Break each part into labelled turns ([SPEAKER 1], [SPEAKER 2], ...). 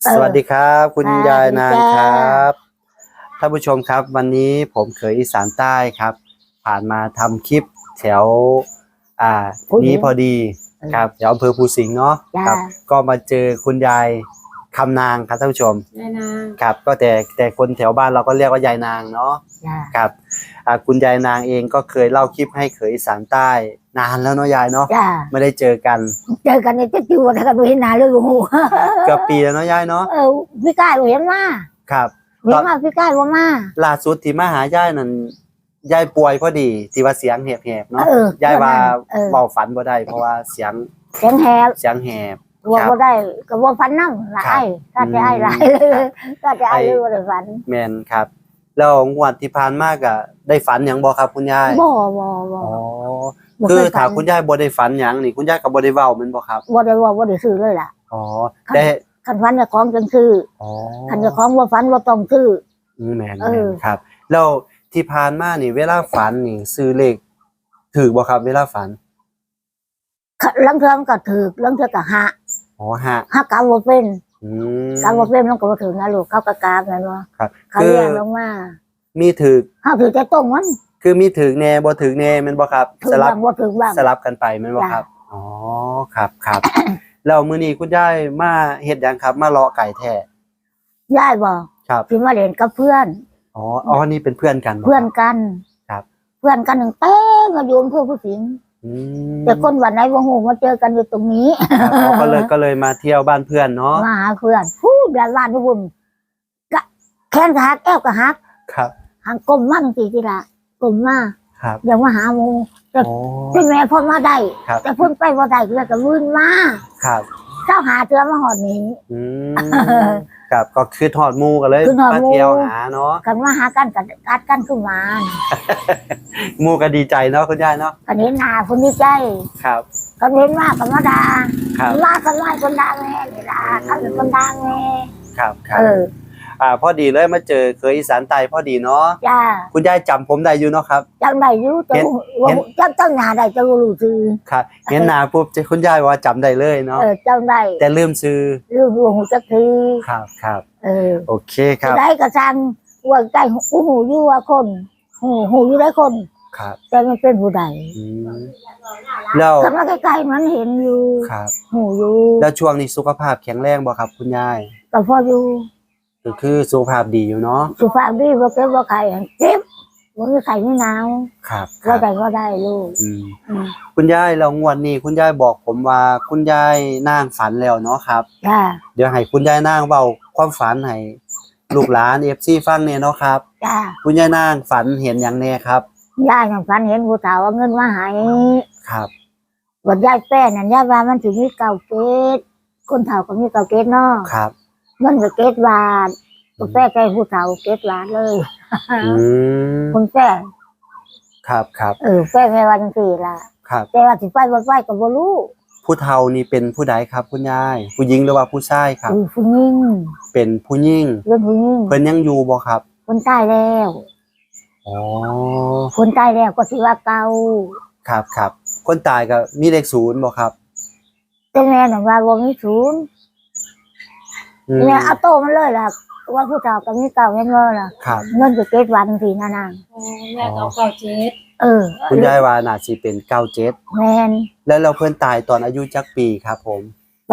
[SPEAKER 1] สวัสดีครับคุณ
[SPEAKER 2] ค่ะ
[SPEAKER 1] ยายนางค
[SPEAKER 2] จ้า
[SPEAKER 1] รับท่านผู้ชมครับวันนี้ผมเขยอีสานใต้ครับผ่านมาทำคลิปแถวอ่านี้พอดีครับแถวอำเภอภูสิงห์เนาะ
[SPEAKER 2] จ้า
[SPEAKER 1] ครับก็มาเจอคุณยายคำนางครับท่านผู้ชม
[SPEAKER 3] ยายนาง
[SPEAKER 1] ครับก็แต่คนแถวบ้านเราก็เรียกว่ายายนางเนาะ
[SPEAKER 2] จ้า
[SPEAKER 1] ครับคุณยายนางเองก็เคยเล่าคลิปให้เขยอีสานใต้นานแล้วเนาะยายเนาะ
[SPEAKER 2] จ้า
[SPEAKER 1] ไม่ได้เจอกัน
[SPEAKER 2] เจอกันในเจ๊จิ๋วแล้วกันดูเห็นหน้าเลยโอ้โห
[SPEAKER 1] เกือบปีแล้วเนาะยายเนาะ
[SPEAKER 2] พี่กายเห็นมา
[SPEAKER 1] ครับ
[SPEAKER 2] เห็นมาพี่กายว่ามา
[SPEAKER 1] ล่าสุดที่มาหายายนั่นยายป่วยพอดีที่ว่าเสียงแหบๆเนาะยายว่าเบาฝันบ่ได้เพราะว่าเสียง
[SPEAKER 2] เสียงแหบ
[SPEAKER 1] แหบ
[SPEAKER 2] ว่าบ่ได้ก็ว่าฟันนั่งหลายถ้าจะไอ้หลายเลยถ้าจะไอ้เลยว่าได้ฝัน
[SPEAKER 1] แม่นครับแล้วงวดที่ผ่านมาก็ได้ฝันหยังบ่ครับคุณยาย
[SPEAKER 2] บ่
[SPEAKER 1] อ๋อคือถ้าคุณยายบ่ได้ฝันหยังนี่คุณยายก็บ่ได้เว้าแม่นบ่ครับ
[SPEAKER 2] บ่ได้ว่าบ่ได้ซื้อเลยล่ะ
[SPEAKER 1] อ๋อแต่
[SPEAKER 2] คันฝันจะของจังซื้อ
[SPEAKER 1] อ๋อ
[SPEAKER 2] คันจะของบ่ฝันบ่ต้องซื้อ
[SPEAKER 1] แม่นครับแล้วที่ผ่านมานี่เวลาฝันนี่ซื้อเลขถูกบ่ครับเวลาฝัน
[SPEAKER 2] ลังเทื่อก็ถูกลังเทื่อก็หะ
[SPEAKER 1] อ๋อฮะ
[SPEAKER 2] กำบ่เป็น
[SPEAKER 1] อื
[SPEAKER 2] กำบ่เป็นมันก็บ่ถึงนะลูกเขาก็กาบแม่นบ่
[SPEAKER 1] ครับ
[SPEAKER 2] เขาเรียกลงมา
[SPEAKER 1] มีถูก
[SPEAKER 2] เฮาถือแต่ต้มมัน
[SPEAKER 1] คือมีถึงแน่บ่ถึงแน่แม่นบ่ครับ
[SPEAKER 2] สลับบ่ถึงบ้าง
[SPEAKER 1] สลับกันไปแม่นบ่ครับอ๋อครับ แล้วมื้อนี้คุณยายมาเฮ็ดหยังครับมาเลาะไก่แท้
[SPEAKER 2] ยายบ่
[SPEAKER 1] ครับ
[SPEAKER 2] สิมาเล่นกับเพื่อน
[SPEAKER 1] อ๋อนี่เป็นเพื่อนกัน
[SPEAKER 2] เพื่อนกัน
[SPEAKER 1] ครับ
[SPEAKER 2] เพื่อนกันตั้งแต่มาอยู่อำเภอภูสิงห์แต่คนวันไหนบ่ฮู้มาเจอกันอยู่ตรงนี้
[SPEAKER 1] ก็เลยมาเที่ยวบ้านเพื่อนเนาะ
[SPEAKER 2] มาหาเพื่อนบ้านทุกคนก็แขนก็หักแก้วก็หัก
[SPEAKER 1] ครับ
[SPEAKER 2] หางกลมมาจังซี่ติล่ะกลมมา
[SPEAKER 1] ครับ
[SPEAKER 2] ยังมาหาหมู่แต่เป็นแม่พ่อมาได้แต่เพิ่นไปบ่ได้ก็วื่นมา
[SPEAKER 1] ครับ
[SPEAKER 2] เจ้าหาเทื่อมาฮอดนี้
[SPEAKER 1] ครับก็คือทอดหมู่กันเลยมาเที่ยวหาเนาะ
[SPEAKER 2] กันมาหากันกัดกันขึ้นมา
[SPEAKER 1] หมู่ก็ดีใจเนาะคุณยายเนาะ
[SPEAKER 2] กันเห็นหน้าคนดีใจ
[SPEAKER 1] ครับ
[SPEAKER 2] กันเห็นว่ากันมาด่า
[SPEAKER 1] ครับ
[SPEAKER 2] ว่ากันไล่คนดังแม่นี่ล่ะเขาเป็นคนดังแม่
[SPEAKER 1] ครับพอดีเลยมาเจอเคยอีสานใต้พอดีเนาะ
[SPEAKER 2] จ้า
[SPEAKER 1] คุณยายจำผมได้อยู่เนาะครับ
[SPEAKER 2] จำได้อยู่จำหน้าได้จะรู้ชื่อ
[SPEAKER 1] ครับเห็นหน้าปุ๊บคุณยายว่าจำได้เลยเนาะ
[SPEAKER 2] จำได้
[SPEAKER 1] แต่ลืมชื่อ
[SPEAKER 2] หูจักที
[SPEAKER 1] ครับโอเคครับ
[SPEAKER 2] ได้กระชังว่าใจหูอยู่ว่าคนหูอยู่ได้คน
[SPEAKER 1] ครับ
[SPEAKER 2] แต่มันเป็นผู้ใด
[SPEAKER 1] แล้ว
[SPEAKER 2] กำลังใกล้ๆมันเห็นอยู่
[SPEAKER 1] ครับ
[SPEAKER 2] หูอยู่
[SPEAKER 1] แล้วช่วงนี้สุขภาพแข็งแรงบ่ครับคุณยาย
[SPEAKER 2] ก็พออยู่
[SPEAKER 1] ก็คือสุขภาพดีอยู่เนาะ
[SPEAKER 2] สุขภาพดีบ่เจ็บบ่ไข้เจ็บบ่มีไข้ไม่หนาว
[SPEAKER 1] ครับ
[SPEAKER 2] ก็ได้ลูก
[SPEAKER 1] คุณยายเรางวดนี้คุณยายบอกผมว่าคุณยายนางฝันแล้วเนาะครับเดี๋ยวให้คุณยายนางเว้าความฝันให้ลูกหลาน FC ฟังแน่เนาะครับคุณยายนางฝันเห็นหยังแน่ครับ
[SPEAKER 2] ยายฝันเห็นผู้เฒ่าเอาเงินมาให้
[SPEAKER 1] ครับ
[SPEAKER 2] บ่ยายแป้นั่นยายว่ามันสิมีเก่าเกตคนเฒ่าก็มีเก่าเกตเนาะ
[SPEAKER 1] ครับ
[SPEAKER 2] เงินก็เกตบาทก็แป้ใจผู้เฒ่าเกตบาทเลยคุณแป้
[SPEAKER 1] ครับ
[SPEAKER 2] แป้แม่ว่าจังซี่ล่ะ
[SPEAKER 1] ครับ
[SPEAKER 2] แต่ว่าสิไปบ่ไปก็บ่รู้
[SPEAKER 1] ผู้เฒ่านี่เป็นผู้ใดครับคุณยายผู้หญิงหรือว่าผู้ชายครับ
[SPEAKER 2] ผู้หญิง
[SPEAKER 1] เป็นผู้หญิง
[SPEAKER 2] เป็นผู้หญิง
[SPEAKER 1] เพิ่นยังอยู่บ่ครับ
[SPEAKER 2] คนตายแล้ว
[SPEAKER 1] อ๋อ
[SPEAKER 2] คนตายแล้วก็สิว่าเก่า
[SPEAKER 1] ครับคนตายก็มีเลข0บ่ครับ
[SPEAKER 2] แต่แม่น่ะว่าบ่มี0แม่เอาโตมันเลยล่ะว่าผู้เฒ่าก็มีเก่าแม่นบ่ล่ะเงินก็เก็บวันสินาง
[SPEAKER 3] แม่ก็97
[SPEAKER 1] คุณยายว่าน่าสิเป็น97
[SPEAKER 2] แม่น
[SPEAKER 1] แล้วเพิ่นตายตอนอายุจักปีครับผม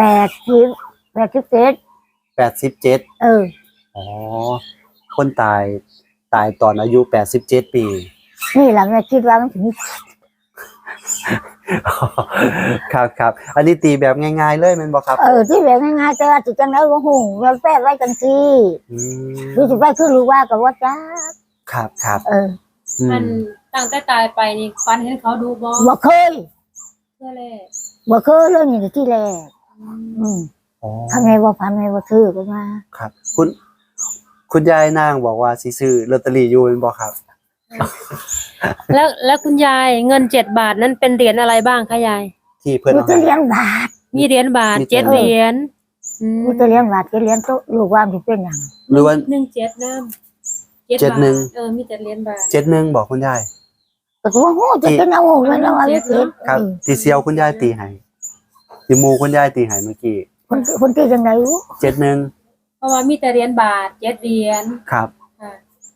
[SPEAKER 2] 87
[SPEAKER 1] อ๋อคนตายตอนอายุ87ปี
[SPEAKER 2] นี่ล่ะแม่คิดว่ามันถึง
[SPEAKER 1] ครับอันนี้ตีแบบง่ายๆเลยแม่นบ่ครับ
[SPEAKER 2] ที่แบบง่ายๆแต่ว่าสิจังได๋บ่ฮู้ว่าแป้ไว้จังซี่คือสิไปคือรู้ว่าก็ว่าจัก
[SPEAKER 1] ครับ
[SPEAKER 3] มันตั้งแต่ตายไปนี่ฝันเห็นเขาดู
[SPEAKER 2] บ่เคยบ่เคยเลยนี่ที่แรกทำไงบ่ฝันไงบ่ซื้อก็มา
[SPEAKER 1] ครับคุณยายนางบอกว่าสิซื้อลอตเตอรี่อยู่แม่นบ่ครับ
[SPEAKER 3] แล้วคุณยายเงิน7 บาทนั้นเป็นเหรียญอะไรบ้างคะยาย
[SPEAKER 1] ที่เพิ่น
[SPEAKER 2] เอาเหรียญบาท
[SPEAKER 3] มีเหรียญบาท7เหรียญ
[SPEAKER 2] มีเหรียญบาท7เหรียญโตลูกว่าสิเป็นหยัง
[SPEAKER 1] หรือว่า
[SPEAKER 3] 17น้ำ
[SPEAKER 1] 71
[SPEAKER 3] มีแต่เหรียญบาท
[SPEAKER 1] 71บอกคุณยาย
[SPEAKER 2] ก็ว่าโหจะเป็นเอาแม่นว่า
[SPEAKER 1] ครับที่เซียวคุณยายตีให้ที่หมู่คุณยายตีให้เมื่อกี้
[SPEAKER 2] คนตีจังได๋
[SPEAKER 1] 71
[SPEAKER 3] เพราะว่ามีแต่เหรียญบาท7เหรียญ
[SPEAKER 1] ครับ
[SPEAKER 3] ค่ะ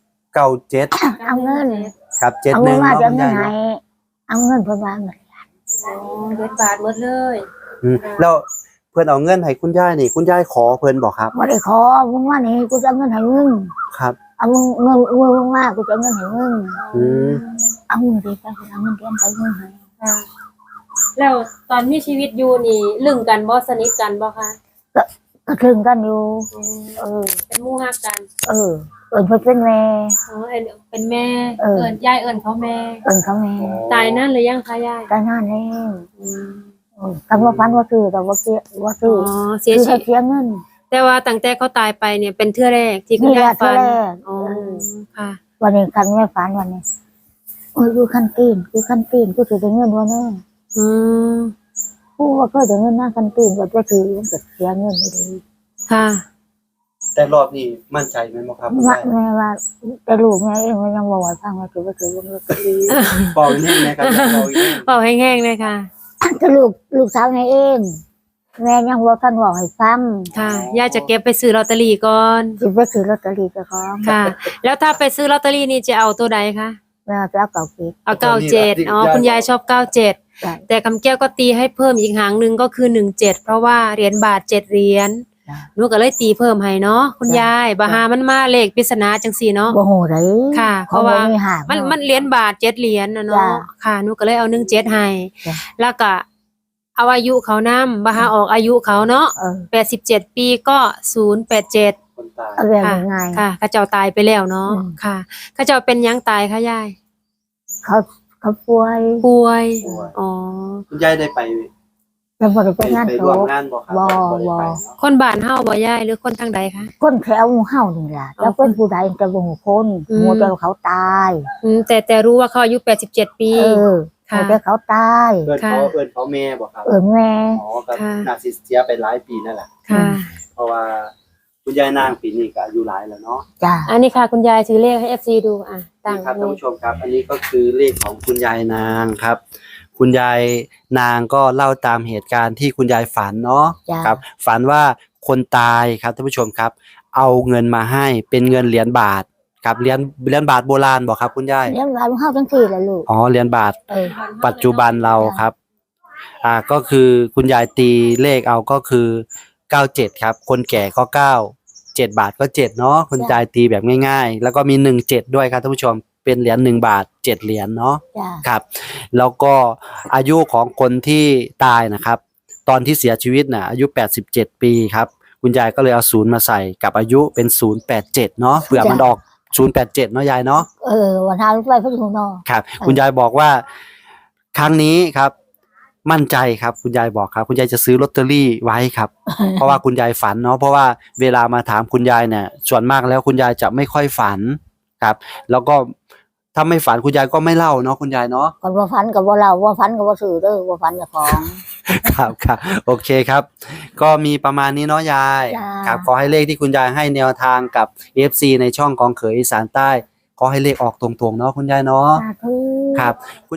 [SPEAKER 1] 97
[SPEAKER 2] เอาเงิน
[SPEAKER 1] ครับ
[SPEAKER 2] เอาเงิน
[SPEAKER 1] 71
[SPEAKER 2] มา
[SPEAKER 1] เนาะ
[SPEAKER 2] จะ
[SPEAKER 1] คุณ
[SPEAKER 2] เงิ
[SPEAKER 1] ยาน ย
[SPEAKER 2] ให้
[SPEAKER 1] เนาะ
[SPEAKER 2] เอาเงินเพิ่นวางเงิน
[SPEAKER 3] อ๋อเหรียญบาทหมดเลย
[SPEAKER 1] แล้วเพิ่นเอาเงินให้คุณยายนี่คุณยายขอเพิ่นบ่ครับ
[SPEAKER 2] บ่ได้ขอมึงว่านี่กูจะเอาเงินให้มึง
[SPEAKER 1] ครับ
[SPEAKER 2] เอาเงินมึงมากูจะเอาเงินให้มึง
[SPEAKER 1] อืม
[SPEAKER 2] เอาเงินดิไปเอาเงินเดือนไปมึงให้
[SPEAKER 3] ค่ะแล้วตอนมีชีวิตอยู่นี่ลึงกันบ่สนิทกันบ่คะ
[SPEAKER 2] ก็ถึงกันอยู่เออ
[SPEAKER 3] เป็นหมู่ฮักกัน
[SPEAKER 2] เออเอิ้นเพิ่นเป็นแม่
[SPEAKER 3] อ๋อเป็นแม่
[SPEAKER 2] เออ
[SPEAKER 3] เอิ้นยายเอิ้นเขาแม่
[SPEAKER 2] เอิ้นเขาแม่
[SPEAKER 3] ตายนั่นหรือยังคะยาย
[SPEAKER 2] ก็นั่นเอง
[SPEAKER 3] อืม
[SPEAKER 2] กันว่าฟันว่าซื้อแต่ว่าเสียว่าซื้
[SPEAKER 3] อ๋
[SPEAKER 2] อ
[SPEAKER 3] อเสีย
[SPEAKER 2] คือ
[SPEAKER 3] ชี
[SPEAKER 2] ให้
[SPEAKER 3] วิต
[SPEAKER 2] เสียเงิน
[SPEAKER 3] แต่ว่าตั้งแต่เขาตายไปเนี่ยเป็นเทื่อแรกที่คุณ
[SPEAKER 2] นี่
[SPEAKER 3] ยา
[SPEAKER 2] แห
[SPEAKER 3] ย
[SPEAKER 2] ละ
[SPEAKER 3] ฝัน
[SPEAKER 2] เทื่อแรก
[SPEAKER 3] อ๋อค่ะ
[SPEAKER 2] วันนี้กันไม่ฝันวันนี้โอ้ยกูคันตีนกูถือได้เงินวันนี้
[SPEAKER 3] อืม
[SPEAKER 2] กูว่าก็ได้เงินหน้าคันตีนก็จะถือมันก็เสียเงินไปเลย
[SPEAKER 3] ค่ะ
[SPEAKER 1] แต่รอบนี้มั่นใจไหมบ่ครับคุณ
[SPEAKER 2] ว่าย
[SPEAKER 1] าย
[SPEAKER 2] แม่ว่าแต่ลูกแม่เองมันยังบอกว่าฟังว่าถือว่าถือว่าถือ
[SPEAKER 1] บอกอีกนิดนะครับบอกอีกนิด
[SPEAKER 3] เป่าแห้งๆเลยค่ะ
[SPEAKER 2] แต่ลูกสาวแม่เอง แม่ยังว่าท่านบอกให้ฟัง
[SPEAKER 3] ค่ะยายจะเก็บไปซื้อลอตเตอรี่ก่อน
[SPEAKER 2] สิไปถือลอตเตอรี่เจ้าของ
[SPEAKER 3] ค่ะ แล้วถ้าไปซื้อลอตเตอรี่นี่จะเอาตัวใดคะ
[SPEAKER 2] แม่จะเอาเก่าเก็บ
[SPEAKER 3] เอา97อ๋อคุณยายชอบ97
[SPEAKER 2] ได้
[SPEAKER 3] แต่คำแก้วก็ตีให้เพิ่มอีกหางหนึ่งก็คือ17เพราะว่าเหรียญบาท7เหรียญ
[SPEAKER 2] จ้ะ
[SPEAKER 3] หนูก็เลยตีเพิ่มให้เนาะคุณ
[SPEAKER 2] จ้ะ
[SPEAKER 3] ยายบาหามันมาเลขปริศนาจังซี่เนาะ
[SPEAKER 2] บ่โหได้
[SPEAKER 3] ค่ะ
[SPEAKER 2] เพ
[SPEAKER 3] เพ
[SPEAKER 2] ราะ
[SPEAKER 3] ราะ
[SPEAKER 2] ว่า
[SPEAKER 3] ว่า
[SPEAKER 2] มีหา
[SPEAKER 3] มันเหรียญบาท7เหรียญนะเนาะ
[SPEAKER 2] จ้ะ
[SPEAKER 3] ค่ะหนูก็เลยเอา17ให้
[SPEAKER 2] จ้ะ
[SPEAKER 3] แล้วก็เอาอายุเขานำบาหาออกอายุเขาเนาะ
[SPEAKER 2] เออ
[SPEAKER 3] 87ปีก็087
[SPEAKER 1] คนตาย
[SPEAKER 2] เอาเรื่องยังไง
[SPEAKER 3] ค่ะเขาเจ้าตายไปแล้วเนาะ
[SPEAKER 2] อืม
[SPEAKER 3] ค่ะเขาเจ้าเป็นหยังตายคะยาย
[SPEAKER 2] เขาป่วย
[SPEAKER 3] ป่วย
[SPEAKER 1] ป่วย
[SPEAKER 3] อ๋อ
[SPEAKER 1] คุณยายได้ไป
[SPEAKER 2] แต่บ่ได้ไปงาน
[SPEAKER 1] ไป
[SPEAKER 2] ศ
[SPEAKER 1] ร่วม
[SPEAKER 2] พ
[SPEAKER 1] งานบ่ครับ
[SPEAKER 2] บ่
[SPEAKER 1] ได้ไป
[SPEAKER 2] บ่
[SPEAKER 1] เนาะ
[SPEAKER 3] คนบ้านเฮาบ่ยายหรือคนทางใดคะ
[SPEAKER 2] คนแถวหมู่เฮานี่ล่ะแล้วเป็นผู้ใดแต่บ่ฮู้คน
[SPEAKER 3] อืม
[SPEAKER 2] หมู่แต่เขาตาย
[SPEAKER 3] แต่รู้ว่าเขาอายุ87ปี
[SPEAKER 2] เออ
[SPEAKER 3] ค่ะ
[SPEAKER 2] แต่เขาตาย
[SPEAKER 1] เอิ้นเขาแม่บ่ครับ
[SPEAKER 2] แม่
[SPEAKER 1] อ๋อก็
[SPEAKER 3] ค่ะ
[SPEAKER 1] น่าสิเสียไปหลายปีนั่นแหละ
[SPEAKER 3] ค่ะ
[SPEAKER 1] เพราะว่าคุณยายนางปีนี้ก็อายุหลายแล้วเนาะ
[SPEAKER 2] จ้า
[SPEAKER 3] อันนี้ค่ะคุณยายถือเลขให้ FC ดูอ่ะตั้ง
[SPEAKER 1] นี่ครับ
[SPEAKER 3] เล
[SPEAKER 1] ท่าน
[SPEAKER 3] ข
[SPEAKER 1] ผู้ชมครับ อันนี้ก็คือเลขของคุณยายนางครับ คุณยายนางก็เล่าตามเหตุการณ์ที่คุณยายฝันเนาะ
[SPEAKER 2] จ้า
[SPEAKER 1] ครับ ฝันว่าคนตายครับท่านผู้ชมครับ เอาเงินมาให้เป็นเงินเหรียญบาทครับเหรียญบาทโบราณบอกครับคุณยาย
[SPEAKER 2] เลี้ยงหลานเฮาจังซี่ล่ะลูก
[SPEAKER 1] อ๋อเหรียญบาท
[SPEAKER 2] เออ
[SPEAKER 1] ปัจจุบันเราครับ ก็คือคุณยายตีเลขเอาก็คือ97ครับคนแก่ก็9 7บาทก็7เนาะคุณยายตีแบบง่ายๆ แล้วก็มี17ด้วยครับท่านผู้ชมเป็นเหรียญ1บาท7เหรียญเนาะ
[SPEAKER 2] จ้า
[SPEAKER 1] ครับแล้วก็อายุของคนที่ตายนะครับ ตอนที่เสียชีวิตน่ะอายุ87ปีครับคุณยายก็เลยเอา0มาใส่กับอายุเป็น087เนาะเผื่อมันออก087เนาะยายเนาะ
[SPEAKER 2] เออวันทาลูกไปเพิ่นฮู้เนาะ
[SPEAKER 1] ครับคุณยายบอกว่าครั้งนี้ครับ มั่นใจครับคุณยายบอกครับคุณยายจะซื้อลอตเตอรี่ไว้ครับ เพราะว่าคุณยายฝันเนาะเพราะว่าเวลามาถามคุณยายเนี่ยส่วนมากแล้วคุณยายจะไม่ค่อยฝันครับ แล้วก็ถ้าไม่ฝันคุณยายก็ไม่เล่าเนาะคุณยายเนาะ
[SPEAKER 2] ก่อนว่าฝันก็บ่เล่าว่าฝันก็บ่ซื้อเด้อว่าฝันเจ้าของ
[SPEAKER 1] ครับครับโอเคครับ ก็มีประมาณนี้เนาะยาย
[SPEAKER 2] จ้า
[SPEAKER 1] ครับขอให้เลขที่คุณยายให้แนวทางกับ FC ในช่องของเขยอีสานใต้ขอให้เลขออกตรงๆเนาะคุณยายเนาะ
[SPEAKER 2] สาธุ
[SPEAKER 1] ครับ